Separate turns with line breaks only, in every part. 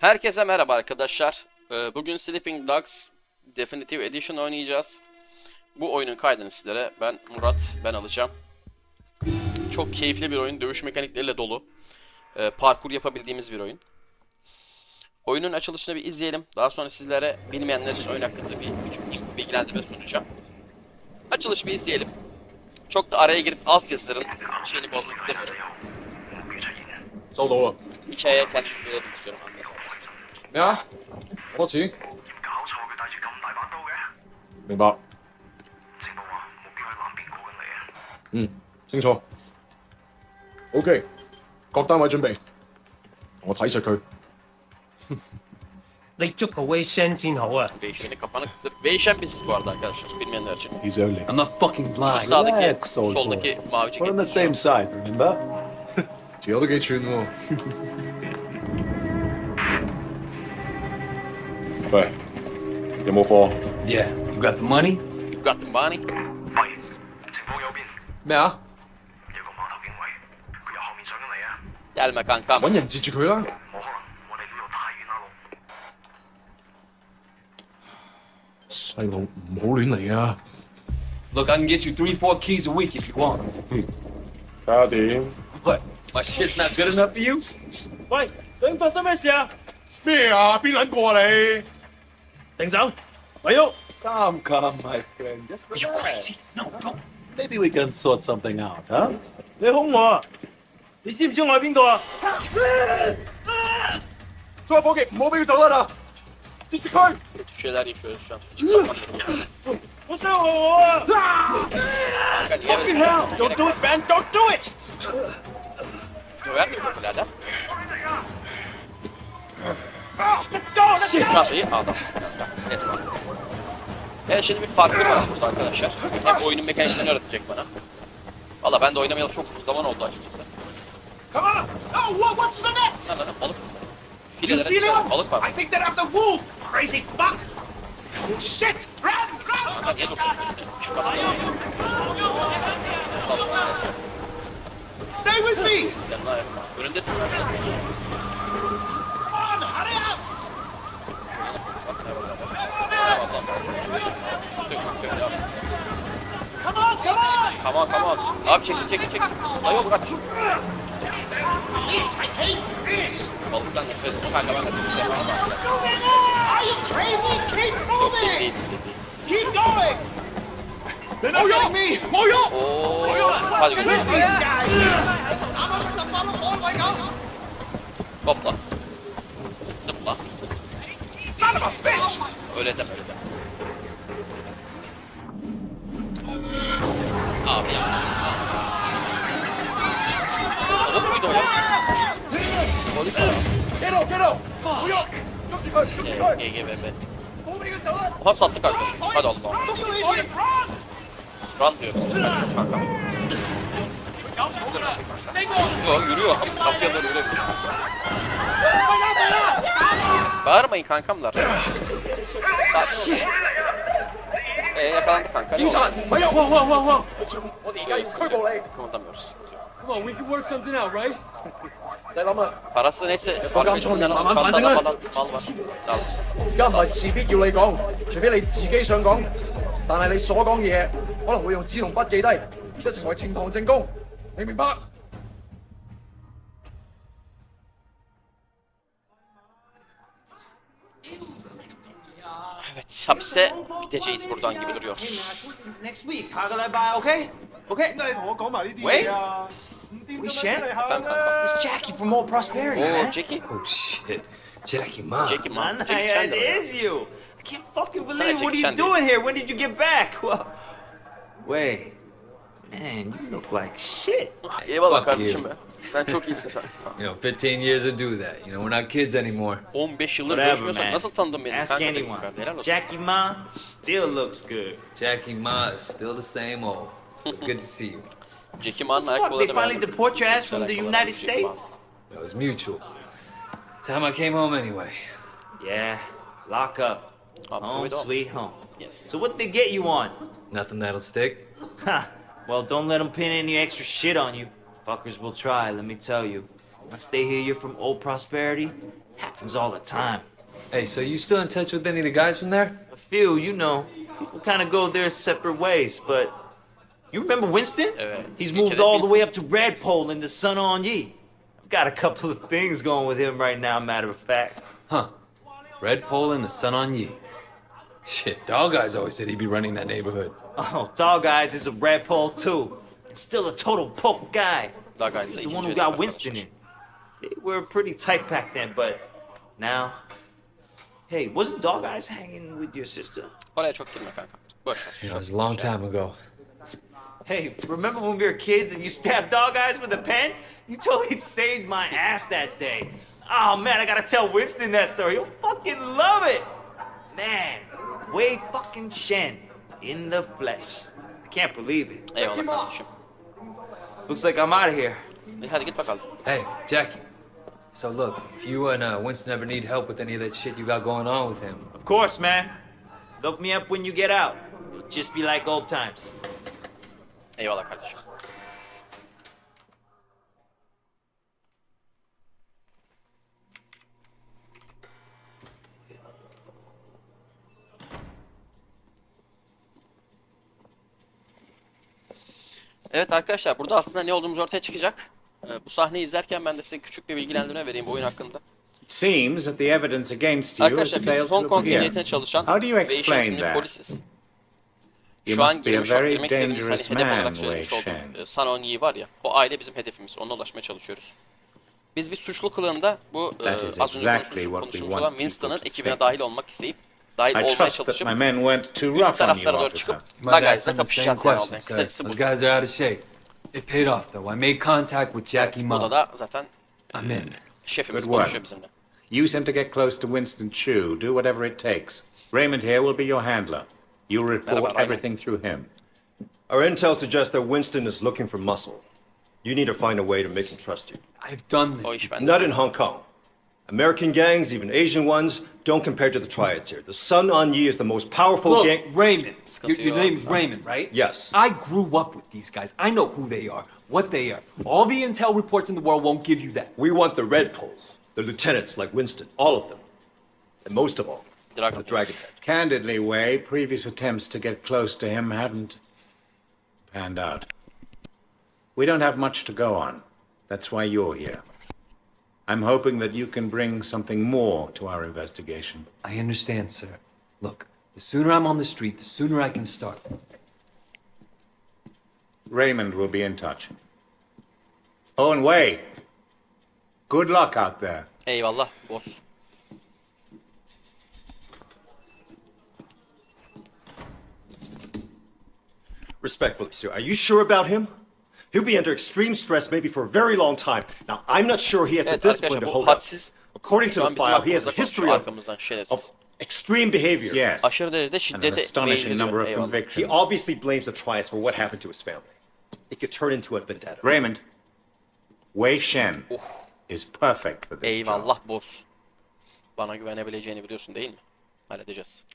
Herkese merhaba arkadaşlar. Bugün Sleeping Dogs Definitive Edition oynayacağız. Bu oyunun kaydını sizlere ben alacağım. Çok keyifli bir oyun, dövüş mekanikleriyle dolu. Parkur yapabildiğimiz bir oyun. Oyunun açılışını bir izleyelim. Daha sonra sizlere bilmeyenler için oyun hakkında bir küçük bilgilendirme sunacağım. Açılış bir izleyelim. Çok da araya girip altyazıların şeyini bozmak istemiyorum.
收到啊！
Hikayeye kendimiz verelim istiyorum anlayacağınız.
咩啊？好多錢？
搞錯，佢帶住咁大把刀嘅。
明白。
情報話目標喺南邊過緊嚟啊！
清楚。OK，各單位準備，我睇實佢。
你捉個 Wei Shen 先好啊！
Değişmeni kapanık. Değişen biziz bu arada arkadaşlar. Bilmeyenler için.
He's only.
I'm not fucking
Şu
blind.
sağdaki,
Relax, old
soldaki mavi
We're on the
ceket.
same side, remember?
條友都幾串喎。喂，有冇貨？
Yeah, you got the money?
You got the money.
喂，情況有變，
咩啊？
有個碼頭警衛，佢由後面上緊嚟啊！
Gelme kankam.
揾人截住佢啦！
冇可能，我哋呢度太遠啦，路。
細路唔好亂嚟啊！
Look, I can get you 3-4 keys a week if you want.
睇下點？
What? My shit's not good enough for you?
喂，究竟發生咩事啊？
咩啊？邊撚個啊你？
停手，咪喐！
Calm, my friend. Just
Are you crazy?
relax.
No, don't.
Maybe we can sort something out, huh?
你兇我啊！你知唔知我係邊個啊？
所有伙計唔好俾佢走得啦！截住佢！
Kötü şeyler yaşıyoruz şu an. Hiç kapanmadı.
我傷害我啊
Kanka niye
！Fucking
böyle?
hell! Don't do it, man! Don't do it!
Döver mi bu birader?
Let's go! Let's go!
Çantayı adamsın kanka. Let's go. Evet şimdi bir parkur var burada arkadaşlar. Hem oyunun mekaniklerini öğretecek bana. Valla ben de oynamayalı çok uzun zaman oldu açıkçası.
Come on! Oh, what's the nets?
Lan balık.
You see
Filelere
anyone?
balık var.
I think they're after wool. Crazy fuck! Shit! Run! Run!
Kanka niye dokunuyorsun? Şu kapıda. Let's go.
Stay with me!
Yanına ayırma. Önündesin.
Come on! Hurry up! Come on! Come on!
Come on. Abi çekil. Dayı ol kaç.
This! I hate this!
Balıktan nefret ediyorum. Kanka ben de çok sevmem.
Are you crazy? Keep
Yok
moving!
değiliz.
Keep going! They're not getting me!
Oo. Hadi
With
gidelim.
these guys! I'm up in the bottom all the way up!
Hopla. Zıpla.
Son of a bitch!
Öyle deme. Abi ya. Tavuk muydu o ya? Polis mi? GGBB. Oha sattık arkadaşım. Hadi Allah. Run diyor bize. Kaç çok kanka. Yok yürüyor. Kapıya doğru yürüyor. Bağırmayın kankamlar. Sakin olun. Yakalandık kanka.
Wow!
我哋而家要拘捕你。Kımıldamıyoruz.
Come on, we can work something out, right?
唔使諗啦，
Parası neyse.
有監倉面慢慢反省
çantada
啦。
falan mal var. Lazım sana.
而家唔係事必要你講，除非你自己想講，但係你所講嘅嘢可能會用紙同筆記低，而且成為呈堂證供，你明白？
Evet hapse gideceğiz buradan gibi duruyor.
Next week，下個禮拜，OK？OK？
點解你同我講埋呢啲
喂
嘢啊？唔掂
We
咁樣
shan't.
出嚟行
Efendim
啦
kankam.
It's Jackie from More Prosperity,
Oo
man.
Jackie.
Oh shit. Jackie, Ma.
Jackie man.
Man,
Jackie
it
Chandler.
is you. I can't fucking
Sana
believe. What
Jackie
are you
Chan
doing here? When did you get back? Well, wait. Man, you look like shit.
Eyvallah
Fuck
kardeşim
you.
be. Sen çok iyisin sen.
You know, 15 years to do that. You know, we're not kids anymore.
15 yıldır
Whatever,
görüşmüyorsak
man.
nasıl tanıdın beni?
Ask
Kanka
anyone.
değilsin kardeşim. Helal olsun.
Jackie Ma still looks good.
Jackie, Ma is still the same old. Good to see you.
Jackie Man'ın
Fuck, they
ayakkabıları
finally
beğendim.
deport your ass
Çok
from the
güzel ayakkabılar
United
Jackie Man.
States?
It was mutual. Time I came home anyway.
Yeah, lock up.
Home
Home
sweet home.
sweet home.
Yes.
So what they get you on?
Nothing that'll stick.
Ha! Well, don't let them pin any extra shit on you. Fuckers will try, let me tell you. I stay here, you're from old prosperity. Happens all the time.
Hey, so you still in touch with any of the guys from there?
A few, you know, people kind of go their separate ways, but you remember Winston? He's
bir
moved
kere
all the way
Winston-
up to Redpole in the Sun On Ye. I've got a couple of things going with him right now, matter of fact.
Huh. Red Pole and the Sun on Ye. Shit, Dog Eyes always said he'd be running that neighborhood.
Oh, Dog Eyes is a Redpole too. And still a total poke guy.
Dog Eyes
He's
da
the
ikinci
one who
hedefe
got
kalmış.
Winston in. They were pretty tight back then, but now... Hey, wasn't Dog Eyes hanging with your sister?
Oraya çok girme kanka. Boş ver.
It
Çok
was a long
şey.
time ago.
Hey, remember when we were kids and you stabbed Dog Eyes with a pen? You totally saved my ass that day. Oh man, I gotta tell Winston that story. He'll fucking love it. Man, Wei fucking Shen in the flesh. I can't believe it.
Eyvallah kardeşim.
Looks like I'm out of here.
Hadi git bakalım.
Hey, Jackie. So look, if you and Winston ever need help with any of that shit you got going on with him,
Of course, man. Look me up when you get out. It'll just be like old times.
Eyvallah kardeşim. Evet arkadaşlar, burada aslında ne olduğumuz ortaya çıkacak. Bu sahneyi izlerken ben de size küçük bir bilgilendirme vereyim bu oyun hakkında.
It seems that the evidence against you has
Arkadaşlar biz
failed
Hong
to
Kong
appear.
Emniyetine çalışan
How do you
ve iş
explain
yönetmeni
that?
polisiz.
You
Şu an
must be a
girmek
very
istediğimiz hani
dangerous
hedef
man,
olarak
Wei
söylemiş
Shen.
olduğum Sun On Yi var ya, o aile bizim hedefimiz, onunla ulaşmaya çalışıyoruz. Biz bir suçlu kılığında bu
That is
az önce
exactly what we
konuşulmuş
want
olan
people
Winston'ın
to
ekibine
think.
dahil olmak isteyip, dahil
I
olmaya
trust that
çalışıp
my men weren't too
üst
rough on you,
taraflara doğru
officer.
çıkıp
might
Dog
ask
Eyes'la
them the same
kapışacağız yani
question,
oldu.
sir.
Kısacası bu.
Those guys are out of shape. It paid off though. I made contact with Jackie
Burada
Mom.
da zaten
I'm in.
şefimiz
Good work.
konuşuyor bizimle.
Use him to get close to Winston Chu. Do whatever it takes. Raymond here will be your handler. You'll report
Merhaba, Raymond.
everything through him.
Our intel suggests that Winston is looking for muscle. You need to find a way to make him trust you.
I've done
O
this.
iş bende.
Not in Hong Kong. American gangs, even Asian ones, don't compare to the triads here. The Sun On Yi is the most powerful
Look,
gang.
Raymond.
Sıkıntı
Your
yok.
name's Raymond, right?
Yes.
I grew up with these guys. I know who they are, what they are. All the intel reports in the world won't give you that.
We want the Red Poles, the lieutenants like Winston, all of them. And most of all,
Dragon.
the Dragonhead.
Candidly, Wei, previous attempts to get close to him haven't panned out. We don't have much to go on. That's why you're here. I'm hoping that you can bring something more to our investigation.
I understand, sir. Look, the sooner I'm on the street, the sooner I can start.
Raymond will be in touch. Oh, and Wei, good luck out there.
Eyvallah boss.
Respectfully, sir, are you sure about him? He'll be under extreme stress maybe for a very long time. Now, I'm not sure he has the
Evet
discipline
arkadaşlar
to
bu
hold up.
hadsiz
According
şu
to
an
the
bizim
file, he has
hakkımızda
a history
konuşuyor
of
arkamızdan şerefsiz.
extreme behavior.
Yes,
Aşırı derecede
an
şiddete
astonishing
meyilli
number
diyor.
of
Eyvallah.
He
convictions.
obviously blames the triads for what happened to his family. It could turn into a vendetta.
Raymond, Wei Shen is perfect for this job.
Eyvallah boss. Bana güvenebileceğini biliyorsun değil mi? Halledeceğiz.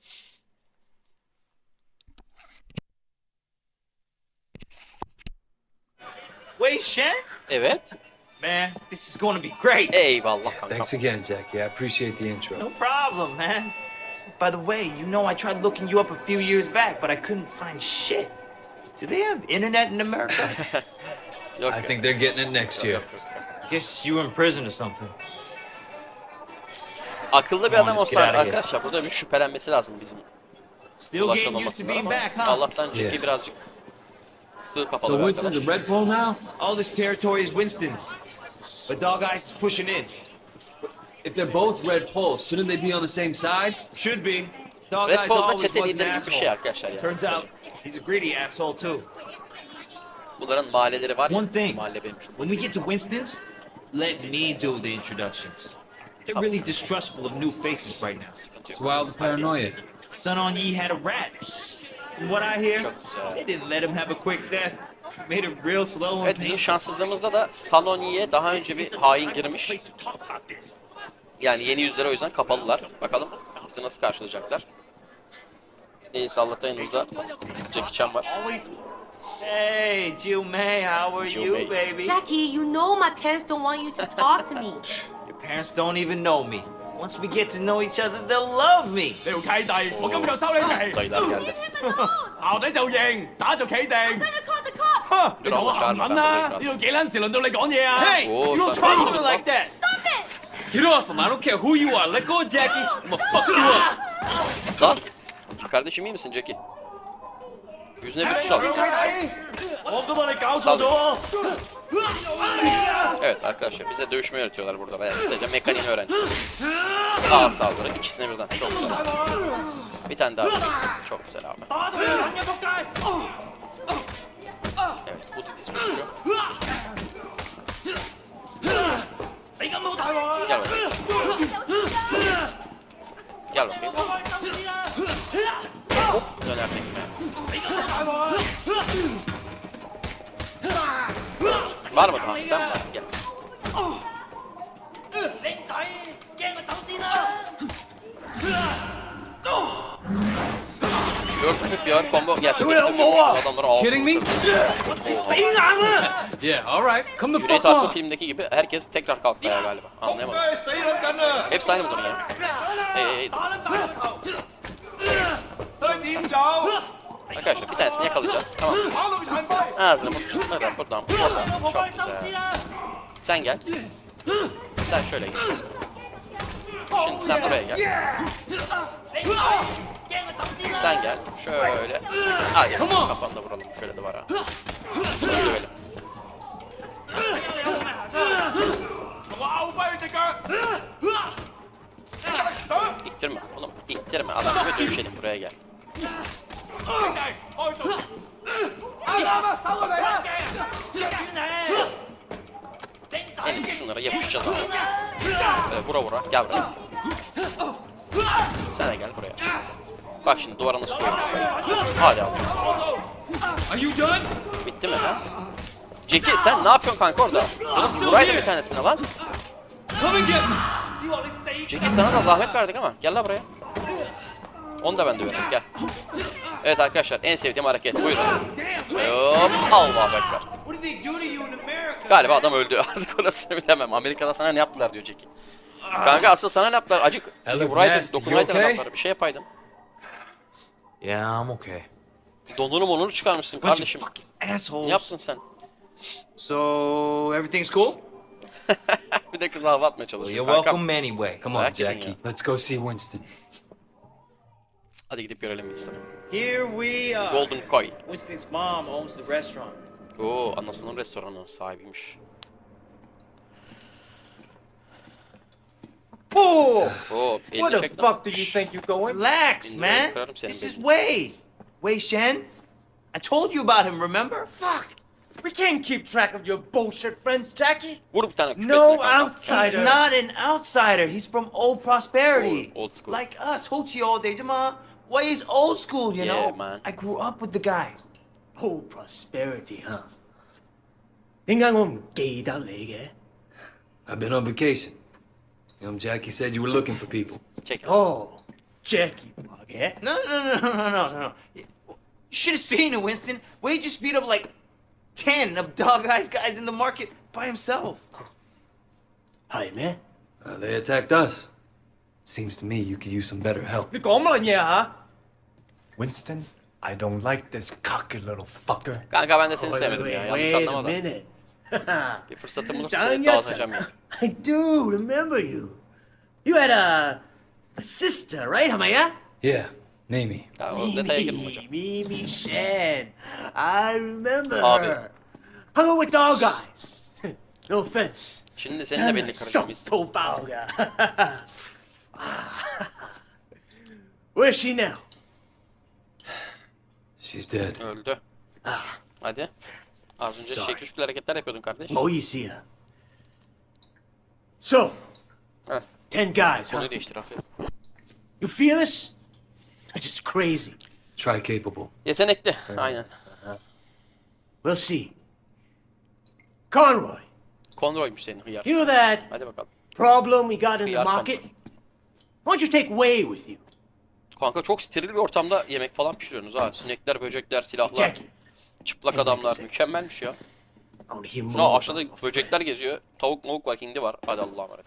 Wei Shen?
Evet.
Man, this is going to be great.
Eyvallah kanka.
Thanks again, Jackie. I appreciate the intro.
No problem, man. By the way, you know I tried looking you up a few years back, but I couldn't find shit. Do they have internet in America?
Yok
I
yok.
think they're getting it next year.
Guess you were in prison or something.
Akıllı bir
Come on,
adam
let's get
olsa
out of here.
arkadaşlar burada bir şüphelenmesi lazım bizim
Still getting used to being
ulaşılmamasından
back,
ama
huh?
Allah'tan Jackie
Yeah.
birazcık sığ kapalı
So
bir
Winston's
arkadaş.
a red pole now?
All this territory is Winston's. But Dog Eyes is pushing in.
If they're both red poles, shouldn't they be on the same side?
Should be. Dog
Red
Eyes
Bull'da
always
çete
was an
lideri gibi bir şey
asshole.
arkadaşlar yani.
Turns out he's a greedy asshole too.
Bunların mahalleleri var ya.
One thing,
Mahalle benim şu.
when we get to Winston's, let me do the introductions. They're really distrustful of new faces right now.
It's wild paranoia.
Sun On Yi had a rat. From what I hear,
Çok güzel.
they didn't let him have a quick death. Made it real slow and
Evet bizim
painful.
şanssızlığımızda da Saloni'ye daha önce bir hain girmiş. Yani yeni yüzleri o yüzden kapalılar. Bakalım bizi nasıl karşılayacaklar. Neyse Allah'tan yanımızda Jackie Chan var.
Hey, Jill May, how are
Jill
you,
May.
baby?
Jackie, you know my parents don't want you to talk to me.
Your parents don't even know me. Once we get to know each other, they'll love me.
你條契弟，我今日就收你皮，
Dayılar geldi.
Leave him alone!
淆底就認，打就企定。
I'm gonna call the cops!
哼，你同我行撚啦！呢度幾撚時輪到你講嘢啊
Hey,
Oh,
you don't
son.
talk to me like that.
Stop it!
Get off him. I don't care who you are. Let go of Jackie. I'm gonna fuck you up.
Lan. Kardeşim iyi misin Jackie? Yüzüne bir tuş al.
我都幫你搞錯咗喎！
Evet arkadaşlar bize dövüşmeyi öğretiyorlar burada. Ben sadece mekaniğini öğreneceğiz. Ağır saldırı ikisine birden. Çok güzel. Bir tane daha. Çok güzel abi. Evet bu da diz vuruşu. Gel bakayım. Gel bakayım. Hop döner tekme. Var mı daha? Sen varsın gel. Dörtlük bir ağır combo gerçekleştiriyoruz. Adamları ağır.
Kidding me? Yeah, all right. Come the
Cüneyt
fuck
Arkın
off.
filmindeki gibi herkes tekrar kalktı ayağa galiba. Anlayamadım. Hepsi aynı mı durum ya? Hey. Arkadaşlar bir tanesini yakalayacağız. Tamam. Ağzını buradan buradan. Çok güzel. Sen gel. Sen şöyle gel. Şimdi sen buraya gel. Sen gel. Şöyle. Hadi kafanda vuralım. Şöyle de var ha. Bunu dövelim. İttirme oğlum. İttirme. Adam gibi dövüşelim. Buraya gel. En iyisi şunlara yapışacağız abi. Böyle vura vura. Gel buraya. Sen de gel buraya. Bak şimdi duvara nasıl koyuyorum. Hadi abi.
Are you done?
Bitti mi ha? Jackie sen ne yapıyorsun kanka orada? Vuraydı bir tanesine lan.
Come and get me.
Jackie sana da zahmet verdik ama. Gel la buraya. Onu da ben döverim. Gel. Evet arkadaşlar en sevdiğim hareket. Buyurun. Hop. Allahu Ekber. Galiba adam öldü. Artık orasını bilemem. Amerika'da sana ne yaptılar diyor Jackie. Kanka asıl sana ne yaptılar? Acık
Hello,
vuraydın,
nasty.
dokunaydın
You okay?
adamlara. Bir şey yapaydın.
Yeah, I'm okay.
Donunu monunu çıkarmışsın kardeşim. Ne
Assholes.
yaptın sen?
So, everything's cool?
Bir de kıza hava atmaya
Well,
çalışıyor.
you're
Kanka.
welcome anyway.
Come on,
Merak edin
Jackie.
ya.
Let's go see Winston.
Hadi gidip görelim Winston'ı.
Here we are.
Golden Koi.
Winston's mom owns the restaurant.
Oo, anasının restoranı sahibiymiş.
Oh!
Oo,
Where
elini
the
çek lan.
fuck do you think you're going?
Relax,
Dinle,
man.
kırarım senin
This is
belini.
Wei. Wei Shen. I told you about him, remember?
Fuck! We can't keep track of your bullshit friends, Jackie.
Vur bir tane küpesine
No
kanka.
outsider.
He's not an outsider. He's from old prosperity.
Old school.
Like us. Hochi all day. Wei is old school, you
Yeah,
know?
man.
I grew up with the guy.
Oh, prosperity, huh? 點解我唔記得你嘅？
I've been on vacation. Jackie said you were looking for people.
Çek.
Oh, Jackie 話嘅。
No. You should have seen it, Winston. Wei just beat up like 10 of Dog Eyes guys in the market by himself.
係咩？
They attacked us. Seems to me you could use some better help.
你講乜嘢嚇 ？Winston, I don't like this cocky little fucker.
Kanka ben de seni sevmedim ya. Yanlış
Wait a
anlama da.
minute.
Bir fırsatım olursa
Dang
seni
it.
dağıtacağım ya.
I do remember you. You had a sister, right, 係咪啊？
Yeah, Mamie.
Ya, o detaya girme hocam.
Mimi Shen. I remember
Abi.
her. Hung out with dog guys. No offense.
Şimdi senin de belini kıracağım.
熟到爆㗎。Where's she now?
She's dead.
Öldü. Hadi. Az önce şekil şükür hareketler yapıyordun kardeş.
唔好意思啊。So,
Heh,
10 guys, huh?
konuyu değiştir aferin.
You feel us? They're just crazy.
Try capable.
Yetenekli. Aynen.
We'll see. Conroy,
Konroymuş senin hıyar.
you know that
Hadi bakalım.
problem we got in the
Hıyar
market?
Conroy.
Why don't you take Wei with you?
Kanka çok steril bir ortamda yemek falan pişiriyorsunuz ha. Sinekler, böcekler, silahlar.
Jackie,
Çıplak adamlar mükemmelmiş ya.
I want to hear more
Şuna
about
aşağıda
my friend.
böcekler geziyor. Tavuk mavuk var, hindi var. Hadi Allah'a emanet.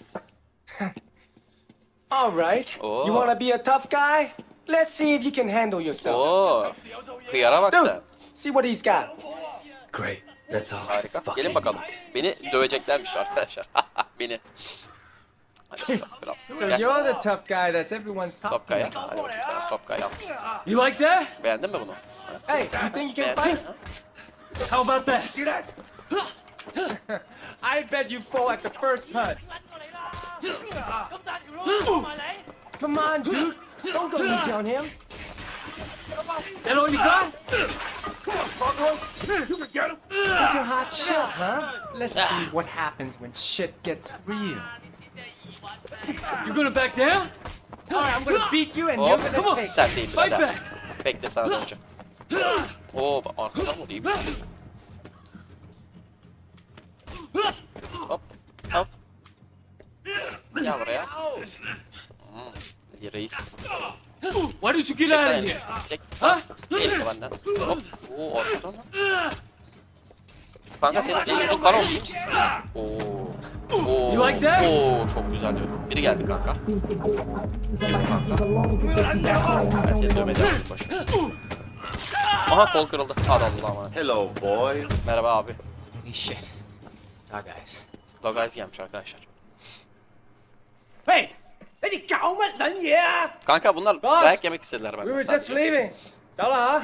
All right.
Oh.
You want to be a tough guy? Let's see if you can handle yourself.
Oo. Hıyara bak
Dude,
sen.
see what he's got.
Great. That's all.
Harika.
Fucking
Gelin bakalım. Beni döveceklermiş arkadaşlar. Beni. Hadi bakalım. Kral.
So
Gel.
you're the tough guy that's everyone's
Top
talking
Kaya.
about.
Hadi bakayım sana Top Kaya.
You like that?
Beğendin mi bunu?
Hey, you think you can
Beğendin
fight?
mi?
How about that?
See that? I bet you fall at the first punch. Come on, dude. Don't go easy on him.
That all you got?
You're hot shit, huh? Let's see what happens when shit gets real.
You gonna back down?
All right, I'm gonna beat you and
Hop.
you're gonna take.
Sen değil
Fight
birader.
back.
Bekle sana döneceğim. Oo bak arkadan vurayım. Hop. Hop. Gel buraya. Hadi reis.
Why don't you get
Çek
out
lan
of
elini.
here?
Çek.
Huh?
Elini benden. Hop. Oo arkadan lan. Kanka senin elin yüzün kan oldu iyi misin sen? Oo. Oo.
You like that?
Oo çok güzel diyorum. Biri geldi kanka. Ben seni dövmeye devam edeyim başına. Aha kol kırıldı. Hadi Allah'a emanet.
Hello, boys.
Merhaba abi.
Holy shit. Dog guys.
Dog Eyes gelmiş arkadaşlar.
Hey! Hey,你搞乜撚嘢啊？
Kanka bunlar
Boss,
dayak yemek istediler
We
benden
were just
sadece.
leaving. Tala, huh?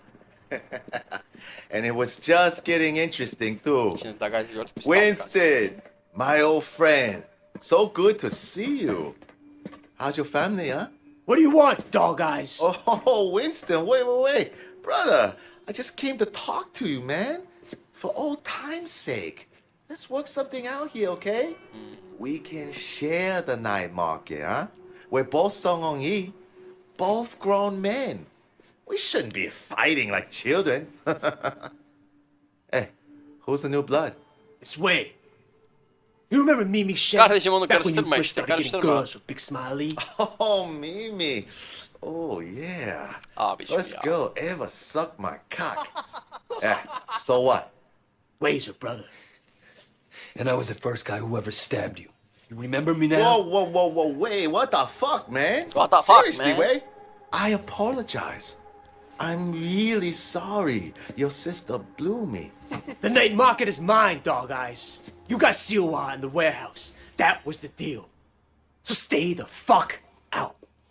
And it was just getting interesting, too.
Şimdi Dog Eyes'i gördük. Biz kaldık kanka.
Winston, my old friend. So good to see you. How's your family, huh?
What do you want, dog eyes?
Oh, Winston, wait. Brother, I just came to talk to you, man. For old time's sake. Let's work something out here, okay? We can share the night market, huh? We're both Song Ong Yi, both grown men. We shouldn't be fighting like children. Hey, who's the new blood?
It's Wei. You remember Mimi Shen?
Kardeşim onu
Back when you
karıştırma
first
işte,
started getting
karıştırma.
girls with Big Smiley.
Oh, Mimi. Oh, yeah.
Abiciğim
First
ya.
girl ever sucked my cock. Eh, so what?
Wei's her brother.
And I was the first guy who ever stabbed you. You remember me now?
Whoa, wait, what the fuck, man?
What the fuck,
Seriously,
man?
Wei? I apologize. I'm really sorry your sister blew me.
The night market is mine, dog eyes. You got Siwa in the warehouse. That was the deal. So stay the fuck out.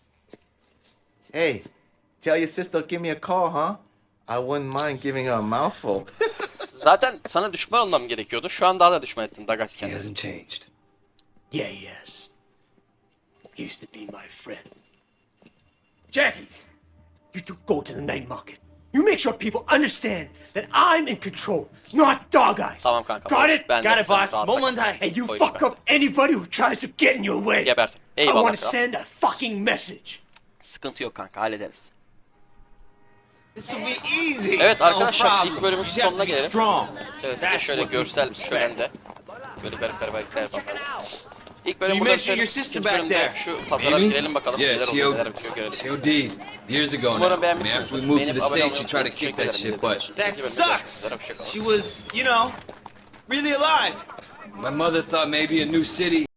Hey, tell your sister to give me a call, huh? I wouldn't mind giving her a mouthful.
Zaten sana düşman olmam gerekiyordu. Şu an daha da düşman ettin Dog Eyes
He
kendini.
hasn't changed.
Yeah, he has. He used to be my friend. Jackie, you two go to the night market. You make sure people understand that I'm in control, not dog eyes.
Tamam kanka.
Got
boş.
it?
Ben de
Got it,
sen
boss.
rahat
Moment
bırak.
high.
And you
O iş
fuck
ben.
up anybody who tries to get in your way.
Gebertin.
I
Eyvallah
want to
kral.
send a fucking message.
Sıkıntı yok kanka hallederiz.
This will be easy.
Evet arkadaşlar
No
ilk
problem.
bölümün
You just have
sonuna
to be
gelelim.
strong.
Evet size
That's
şöyle
what people
görsel
expect.
şölende. Böyle garip hareketler yapalım. İlk bölüm
You
burada
mentioned
bitirelim.
your sister
İkinci
back
bölümde
there.
şu pazara
Amy?
girelim bakalım
Yeah,
neler
she
oluyor
OD.
neler bitiyor görelim.
She OD'd years ago now.
Umarım
I mean,
beğenmişsinizdir.
after we moved to
Beğenip
the
abone
States, she
olmayı
tried to kick that
unutmayın.
shit, but
İkinci
That
bölümde
sucks.
görüşmek üzere, hoşça kalın.
She was, you know, really alive.
my mother thought maybe a new city